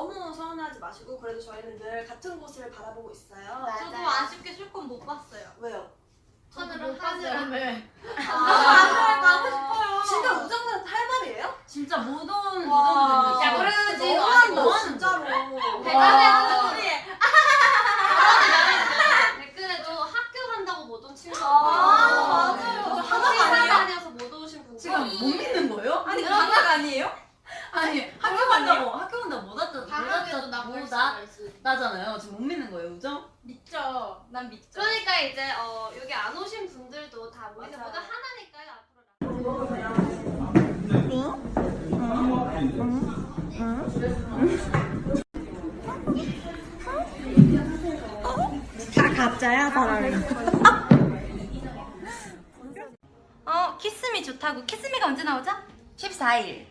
너무 서운하지 마시고 그래도 저희는 늘 같은 곳을 바라보고 있어요. 저도 아쉽게 실컷 못 봤어요. 왜요? 하늘을 하늘. 하늘 가고 싶어요. 진짜 우정들한테 할 말이에요? 진짜 못 온 와. 우정들. 야, 그러지. 너무한다 진짜로. 대단해 소리. 댓글에도 학교 간다고 못 온 친구가 맞아요. 학교 다녀서 못 오신 분들. 지금 못 믿는 거예요? 아니 방학 아니에요? 아니 학교 간다고 못 왔잖아. 방학에도 나올 나 수가 있어. 나잖아요. 지금 못 믿는 거예요, 우정? 믿죠. 난 믿죠. 그러니까 이제 여기 안 오신 분들도 다 모이는 모두 하나니까요. 다 가짜야 사람이. 키스미 좋다고. 키스미가 언제 나오죠? 14일.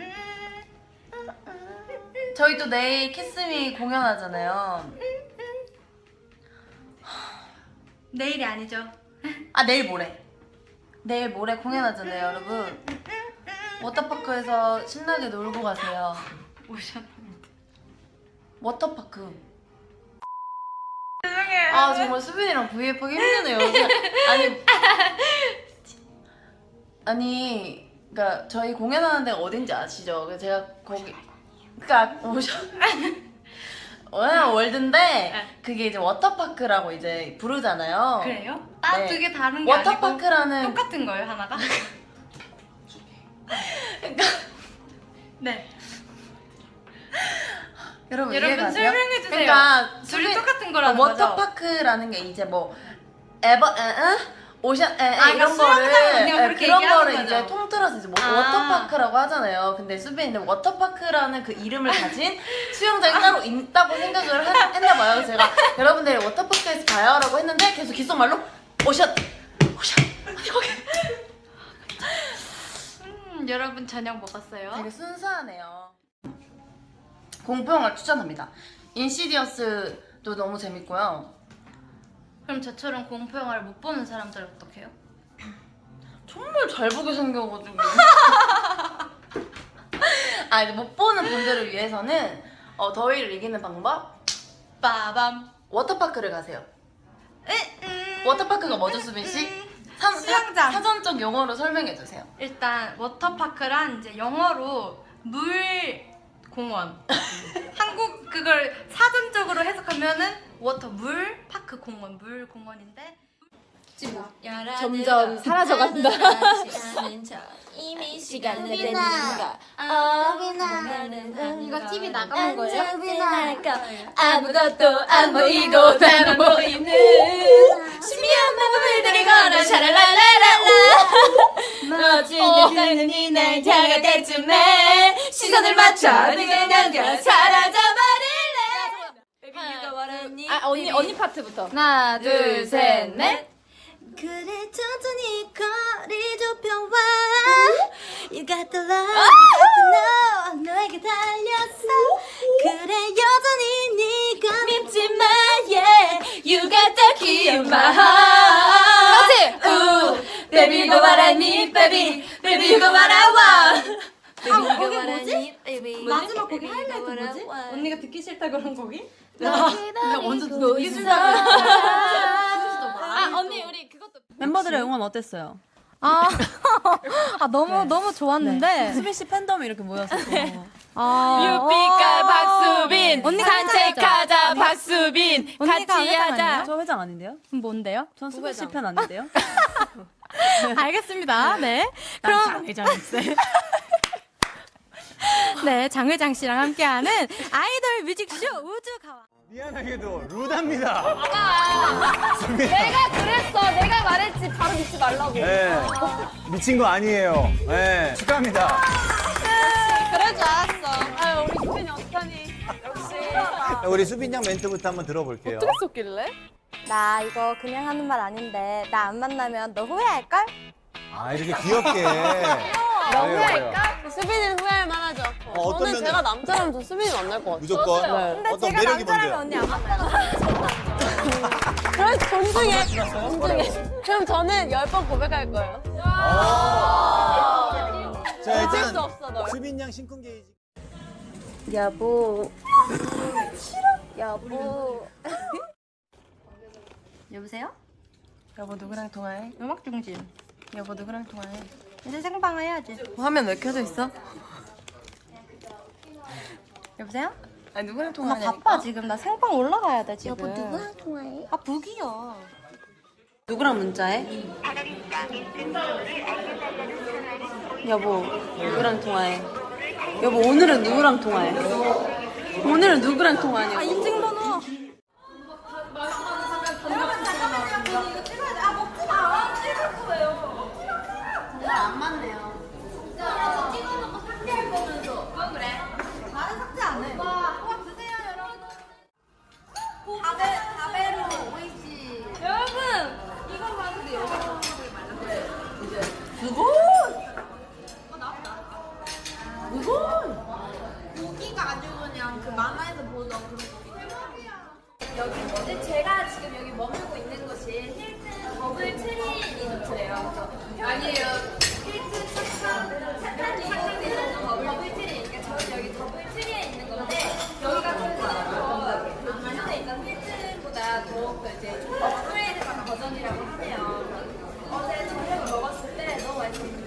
저희 또 내일 키스미 공연하잖아요. 내일이 아니죠. 아 내일 모레. 내일 모레 공연하잖아요, 여러분. 워터파크에서 신나게 놀고 가세요. 오셨답니다. 워터파크. 아 정말 수빈이랑 V앱하기 힘드네요. 아니 그러니까 저희 공연하는 데가 어딘지 아시죠? 그래서 제가 거기 그러니까 월드인데 그게 이제 워터파크라고 이제 부르잖아요. 그래요? 딱 네. 그게 다른 게 워터파크라는 아니고 똑같은 거예요, 하나가? 그러니까 네. 여러분 여러분 이해가 돼요? 설명해 주세요. 그러니까 둘이 똑같은 거라는 거죠? 워터파크라는 게 이제 뭐 오션 그러니까 이런 수영장 거를 그냥 그렇게 그런 얘기하는 거를 거죠. 이제 통틀어서 이제 아. 워터파크라고 하잖아요. 근데 수빈이는 워터파크라는 그 이름을 가진 수영장이 따로 있다고 생각을 했나 봐요. 그래서 제가 여러분들 워터파크에서 봐요라고 했는데 계속 귓속말로 오션 아니 거기 여러분 저녁 먹었어요? 되게 순수하네요. 공포영화를 추천합니다. 인시디어스도 너무 재밌고요. 그럼 저처럼 공포 영화를 못 보는 사람들 어떡해요? 정말 잘 보게 생겨가지고 이제 못 보는 분들을 위해서는 더위를 이기는 방법 빠밤. 워터파크를 가세요. 워터파크가 뭐죠, 수빈 씨? 수영장. 사전적 용어로 설명해 주세요. 일단 워터파크란 이제 영어로 물 공원. 한국 그걸 사전적으로 해석하면은 워터 물 파크 공원 물 공원인데 점점 사라져간다. 이미 시간을 내니까 이거 TV 나가는 거예요? 아무것도 안 보이고 나만 보이는 신비한 마법들이 걸어 샤랄랄랄랄라 멋진 이날 다가 때쯤에 시선을 맞춰 네가 남겨 사라져버릴래 언니 파트부터. 하나 둘, 셋, 넷. 그래 천천히 거리 좁혀와 You got the love, you got the know 너에게 달렸어 그래 여전히 네가 밉지만 Yeah, you got the key of my heart 그렇지! Ooh, baby go what I need, baby Baby go what I want 거기 뭐지? 마지막 거기 하이라이트 뭐지? 언니가 듣기 싫다 그런 거기? 내가 완전 듣기 언니 우리 그것도 멤버들의 응원 어땠어요? 너무 좋았는데 수빈 씨 팬덤이 이렇게 모였어서 유피카 박수빈 언니 산책하자 박수빈 언니가 같이 회장 하자. 아니에요? 저 회장 아닌데요? 뭔데요? 전 수빈 씨 팬 아닌데요? 알겠습니다. 네. 난 장혜정일세. 네, 장회장 씨랑 함께하는 아이돌 뮤직쇼 우주가왕. 미안하게도 루다입니다. 내가 그랬어. 내가 말했지. 바로 믿지 말라고. 네. 미친 거 아니에요. 네. 축하합니다. 그럴 줄 알았어. 우리 수빈이 어떡하니? 역시. 우리 수빈 양 멘트부터 한번 들어볼게요. 썼길래? 나 이거 그냥 하는 말 아닌데 나 안 만나면 너 후회할걸? 아, 이렇게 귀엽게. 너 후회할까? 수빈이는 후회할 만하죠. 어떤 저는 제가 남자라면 저 수빈이 만날 것 같아요. 무조건. 근데 어떤 제가 매력이 남자라면 뭔데요? 언니 안 만나요. 그럼 존중해. 그럼 저는 10번 고백할 거예요. 자, 어쩔 수 일단 없어 널. 수빈 양 심쿵 게이지. 여보. 여보. 여보세요? 여보 누구랑 통화해? 음악 중심. 여보 누구랑 통화해? 이제 생방 해야지. 화면 왜 켜져 있어? 여보세요? 아니 누구랑 나 통화하냐니까? 바빠 지금. 나 생방 올라가야 돼 지금. 여보 누구랑 통화해? 아 북이요. 누구랑 문자해? 여보 누구랑 통화해? 여보 오늘은 누구랑 통화해? 오늘은 누구랑 통화하냐고? 인증번호. 제가 지금 여기 머물고 있는 곳이 힐튼 더블 트리 리조트래요. 아니에요. 힐튼 착한 더블 트리. 그러니까 저는 여기 더블 트리에 있는 건데 여기가 좀 기존에 있던 힐튼보다 더 이제 좀 업그레이드한 버전이라고 하네요. 어제 저녁을 먹었을 때 너무 맛있었어요.